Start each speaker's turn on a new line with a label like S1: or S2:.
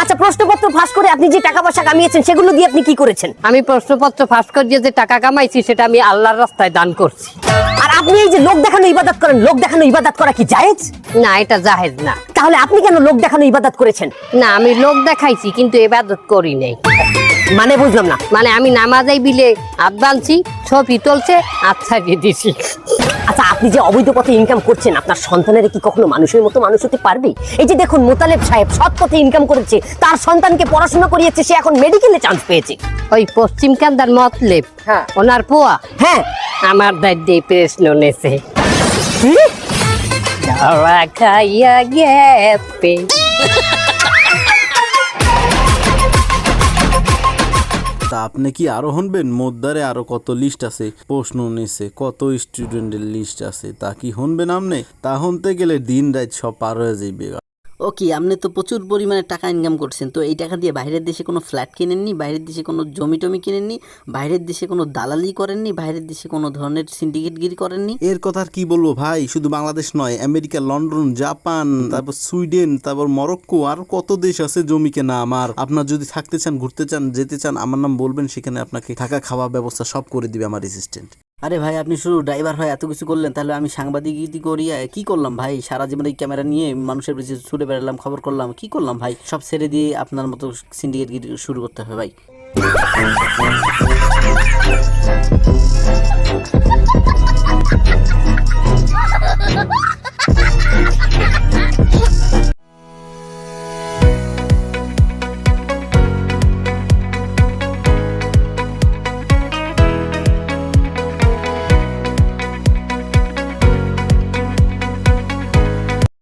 S1: আচ্ছা, প্রশ্নপত্র ফাঁস করে আপনি যে টাকা পয়সা কামিয়েছেন সেগুলো দিয়ে আপনি কি করেছেন?
S2: আমি প্রশ্নপত্র ফাঁস করিয়ে যে টাকা কামাইছি সেটা আমি আল্লাহর রাস্তায় দান করছি।
S1: আর আপনি এই যে লোক দেখানো ইবাদত করেন, লোক দেখানো ইবাদত করা কি জায়েজ?
S2: না, এটা জায়েজ না।
S1: তাহলে আপনি কেন লোক দেখানো ইবাদত করেছেন?
S2: না, আমি লোক দেখাইছি কিন্তু ইবাদত করি নাই।
S1: মানে বুঝলাম না।
S2: মানে আমি নামাজাই বিলে হাত বানছি, ছবি তুলছে, আচ্ছা দিয়ে দিছি।
S1: আচ্ছা, আপনি যে অবৈধ পথে ইনকাম করছেন, আপনার সন্তানেরা কি কখনো মানুষের মতো মানুষ হতে পারবে? এই যে দেখুন, মোতালেব সাহেব সৎ পথে ইনকাম করেছে, তার সন্তানকে পড়াশোনা করিয়েছে, সে এখন মেডিকেলে চান্স পেয়েছে।
S2: ওই পশ্চিম কান্দার মতলেব,
S1: হ্যাঁ।
S2: ওনার পোয়া
S1: হ্যাঁ।
S2: আমার দায়িত্বে প্রশ্ন নেছে। ধরা খাইয়া গেছে।
S3: তা আপনি কি আরো শুনবেন? মোদ্দারে আরো কত লিস্ট আছে, প্রশ্ন নিছে, কত স্টুডেন্টের লিস্ট আছে, তা কি শুনবেন আপনি? তা শুনতে গেলে দিন রাত সব পার হয়ে যাইবে।
S4: ও কি, আপনি তো প্রচুর পরিমাণে টাকা ইনকাম করছেন, তো এই টাকা দিয়ে বাইরের দেশে কোনো ফ্ল্যাট কিনেননি, বাইরের দেশে কোনো জমি টমি কিনেননি, বাইরের দেশে কোনো দালালি করেননি, বাইরের দেশে কোনো ধরনের সিন্ডিকেটগিরি করেননি?
S3: এর কথা আর কি বলবো ভাই, শুধু বাংলাদেশ নয়, আমেরিকা, লন্ডন, জাপান, তারপর সুইডেন, তারপর মরক্কো, আর কত দেশ আছে জমি কেনা আমার। আপনার যদি থাকতে চান, ঘুরতে চান, যেতে চান, আমার নাম বলবেন, সেখানে আপনাকে থাকা খাওয়া ব্যবস্থা সব করে দিবে আমার অ্যাসিস্ট্যান্ট।
S4: আরে ভাই, আপনি শুধু ড্রাইভার হয়ে এত কিছু করলেন, তাহলে আমি সাংবাদিকগিরি করি কি করলাম ভাই? সারা জীবন এই ক্যামেরা নিয়ে মানুষের পিছনে ছুটে বেড়ালাম, খবর করলাম, কি করলাম ভাই? সব ছেড়ে দিয়ে আপনার মতো সিন্ডিকেটগিরি শুরু করতে হবে ভাই।